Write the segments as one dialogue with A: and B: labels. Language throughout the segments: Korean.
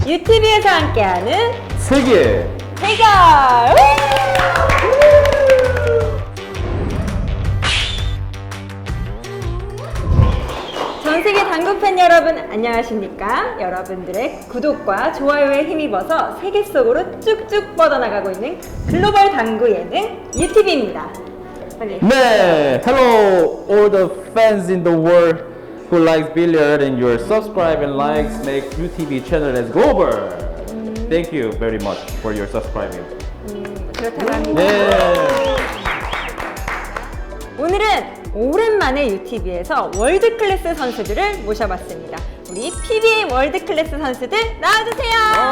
A: UTV에서 함께하는
B: 세계
A: 대결! 전 세계 당구 팬 여러분 안녕하십니까? 여러분들의 구독과 좋아요에 힘입어서 세계 속으로 쭉쭉 뻗어나가고 있는 글로벌 당구 예능 UTV입니다. 빨리.
B: 네, hello all the fans in the world who likes billiard and your subscribe and likes make UTV channel as global. Thank you very much for your subscribing.
A: 그렇다고 합니다.
B: 네.
A: 오늘은 오랜만에 UTV에서 월드 클래스 선수들을 모셔봤습니다. 우리 PBA 월드 클래스 선수들 나와주세요.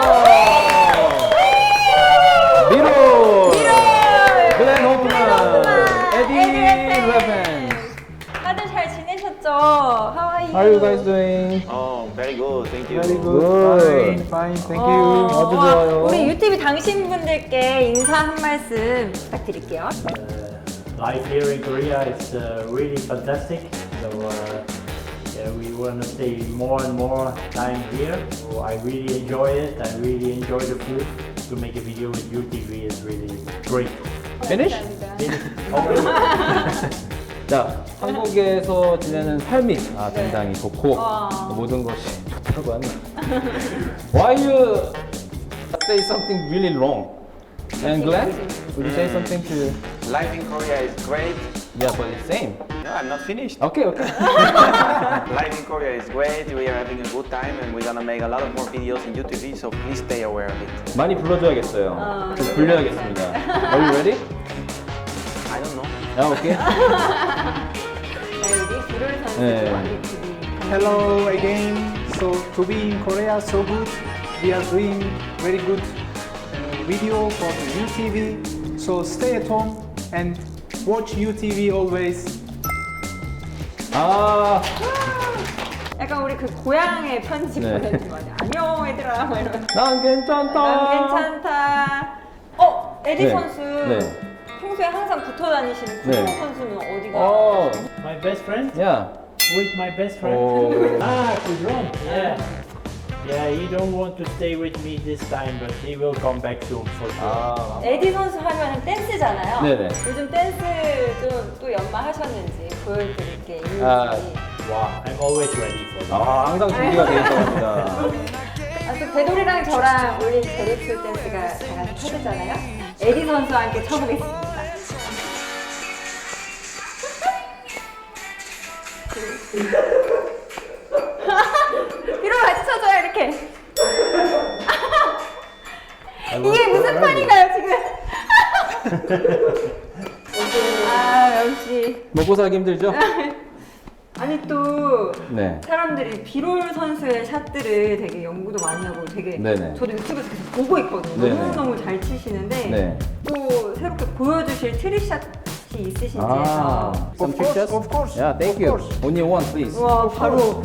B: 미로, 글렌
A: 호프만,
B: 호프만,
A: 에디
B: 에디
A: 레펜.
B: 레펜.
A: 다들 잘 지내셨죠? How are you?
B: How are you guys doing?
C: Oh, very good. Thank you.
B: Very good.
D: Fine, thank you.
B: 아주 좋아요.
A: 우리 UTV 당신분들께 인사 한 말씀 부탁드릴게요.
E: Life here in Korea is really fantastic. So yeah, we want to stay more and more time here. So I really enjoy it. I really enjoy the food. To make a video with UTV is really great.
B: Finish? 자, 한국에서 지내는 삶이 굉장히 좋고 모든 것이 좋다고 합니다. Why you say something really wrong? And Glenn, would you say something to?
C: Life in Korea is great.
B: Yeah, but it's same.
C: No, I'm not finished.
B: Okay, okay.
C: Life in Korea is great. We are having a good time and we're gonna make a lot of more videos in UTV, so please stay aware of it.
B: 많이 불러줘야겠어요. 좀 불려야겠습니다. Are you ready?
C: I don't know.
B: Yeah, okay.
A: 우리 비롤 선수
B: 네.
A: UTV.
D: Hello again. So to be in Korea so good. We are doing very good video for the UTV. So stay at home and watch UTV always.
B: 아,
A: 약간 우리 그 고향의 편지
B: 네.
A: 보내는 거 아니야? 안녕 얘들아 뭐 이러면서.
B: 난 괜찮다.
A: 난 괜찮다. 에디
B: 네.
A: 선수
B: 네.
A: 평소에 항상 붙어 다니시는
B: 네.
A: 구동 선수는 어디가?
B: 어,
E: My best friend?
B: yeah.
E: Who is my best friend?
B: Oh.
E: Kudron. Yeah. Yeah, he don't want to stay with me this time, but he will come back soon for sure.
B: 아,
A: 에디 선수 하면은 댄스잖아요.
B: 네네.
A: 요즘 댄스 좀 또 연마하셨는지 보여드릴 게 있는지.
E: Wow, I'm always ready for that.
B: 항상 준비가 돼 있다고 합니다.
A: 또 배돌이랑 저랑 올린 제렉스 댄스가 다 같이 하잖아요. 에디 선수와 함께 쳐보겠습니다. 뒤로 같이 쳐줘요 이렇게. 이게 무슨 판인가요 지금? 역시.
B: 먹고 살기 힘들죠?
A: 아니 또
B: 네.
A: 사람들이 비롤 선수의 샷들을 되게 연구도 많이 하고 되게
B: 네네.
A: 저도 유튜브에서 계속 보고 있거든요.
B: 네네.
A: 너무너무 잘 치시는데
B: 네.
A: 또 새롭게 보여주실 트릭샷이 있으신지
B: 아,
A: 해서
B: some
D: Of course,
B: trick shots?
D: of course,
B: Yeah, thank
D: of
B: you.
D: course.
B: Only one, please.
A: 와 바로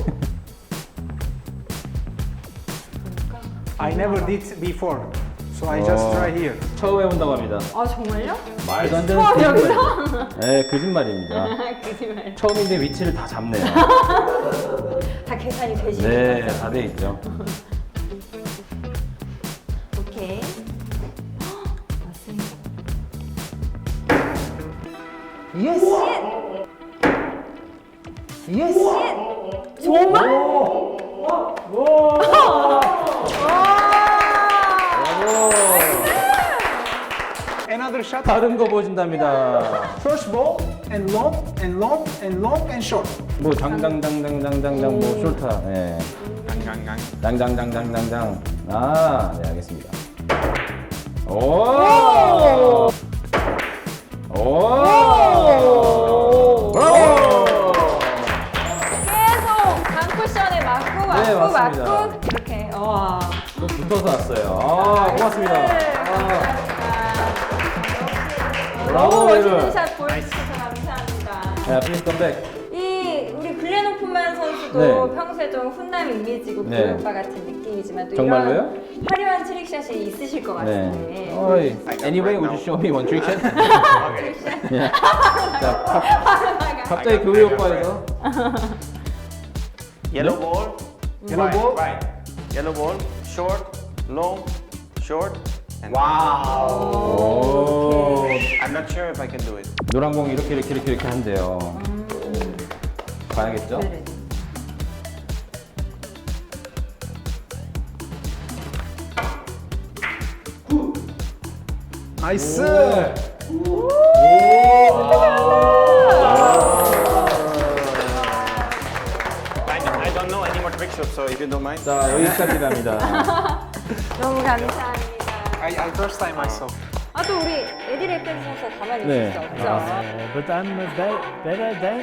D: I never did before. So I just try here.
B: 처음 해본다고 합니다.
A: 아 정말요?
B: 말도 안 되는
A: 처음
B: 거짓말.
A: 여기서?
B: 네, 거짓말입니다.
A: 거짓말.
B: 처음인데 위치를 다 잡네요.
A: 다 계산이 되시는
B: 네,
A: 거죠?
B: 다 돼 있죠.
A: 오케이. 맞습니다.
D: Yes. Yes.
A: 정말?
D: Another shot.
B: 다른 거 보여준답니다.
D: First ball and long and long and long and short.
B: 뭐 장장장장장장장 뭐 숄타. 네.
C: Gang.
B: 장장장장장장. 아, 네, 알겠습니다. 오! 오! 브라보!
A: 계속 강 쿠션에 맞고
B: 네,
A: 맞고
B: 맞습니다.
A: 맞고 이렇게
B: 또 붙어서 왔어요. 아, 고맙습니다. 아, 브라보,
A: 너무 멋있는
B: 여러분.
A: 샷 보여주셔서 감사합니다.
B: 자, 플리즈 컴백.
A: 이 우리 글렌 호프만 선수도
B: 네.
A: 평소에 좀 훈남 이미지고
B: 네.
A: 그 오빠 같은 느낌이지만 또
B: 정말로요?
A: 이런 화려한 트릭샷이 있으실 것 같은데.
B: 네. 어이. Anyway, would you show me one trick shot?
C: Okay.
B: 예. 자, 갑자기 교회 오빠에서
C: Yellow ball.
D: Yellow ball.
C: Right. Yellow ball. short, long, short, and
B: 오.
C: I'm not sure if I can do it.
B: 노란 공 이렇게 한대요. 봐야겠죠?
A: 네네.
D: 나이스.
C: I don't know any more trick shots, so if you don't mind.
B: 자, 여기까지랍니다.
A: 너무 감사합니다.
D: I first time I saw.
A: 아, 또 우리 에디 레펜 선수 가만히
B: 네.
A: 있을 수 없죠.
E: But I'm better than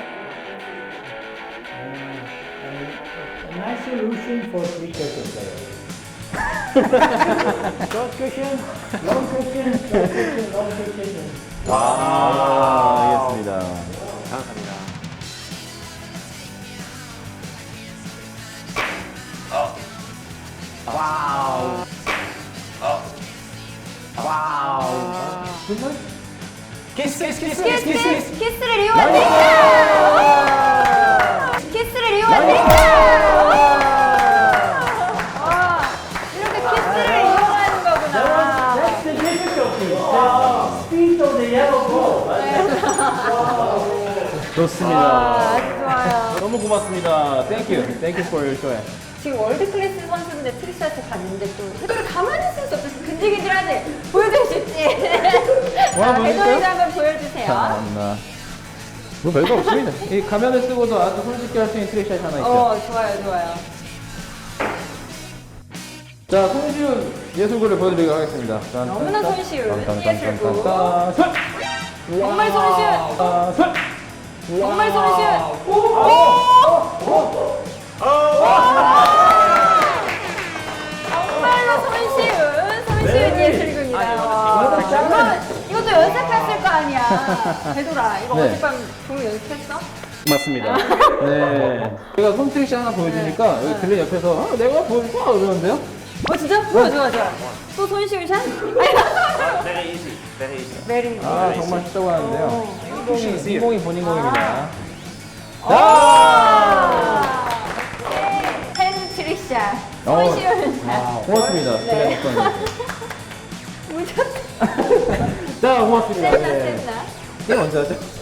E: a nice solution for three cushion players. Short cushion, long cushion, short cushion, long cushion.
B: 알겠습니다.
C: 감사합니다.
A: 키스를 이용하세요. 키스를 이용하세요. 와, 이렇게 키스를 이용하는 거구나.
E: That's the difficulty. The speed of the yellow ball.
B: 좋습니다.
A: 아주 좋아요.
B: 너무 고맙습니다. Thank you for your show.
A: 지금 월드 클래스 선수인데 트릭샷을 봤는데 또 해도를 가만히 있을 수 없어서 근질근질하지. 보여주고 싶지.
B: 와,
A: 자,
B: 보여줄까요?
A: 해도이도 한번 보여주세요.
B: 참나. 뭐 별거 없습니다. 이 가면을 쓰고도 아주 손쉽게 할 수 있는 트릭샷이 하나 있죠.
A: 좋아요, 좋아요.
B: 자, 손쉬운 예술구를 보여드리도록 하겠습니다. 짠,
A: 너무나
B: 짠,
A: 손쉬운
B: 짠, 짠,
A: 예술구.
B: 짠, 짠, 짠.
A: 정말 손쉬운.
B: 아, 손!
A: 정말 손쉬운. 정말로 손쉬운 예술군이다. 이것도 연습했을 거 아니야. 되돌아. 이거
B: 네.
A: 어젯밤 종류 연습했어?
B: 맞습니다. 네. 제가 손 트릭샷 하나 보여주니까 여기 들린 옆에서 아, 내가 보여줄까? 그러는데요?
A: 진짜? 좋아. 또 손쉬운 샷?
C: Very easy, very easy.
A: 메리.
B: 아, 정말 쉽다고 하는데요. 이 공이 본인 공입니다.
A: 핸드 트릭샷.
B: 어.
A: 손쉬운 샷.
B: 고맙습니다.
A: 네.
B: 자, 고맙습니다.
A: 센나,
B: 네.
A: 센나.
B: 게임 언제 하죠?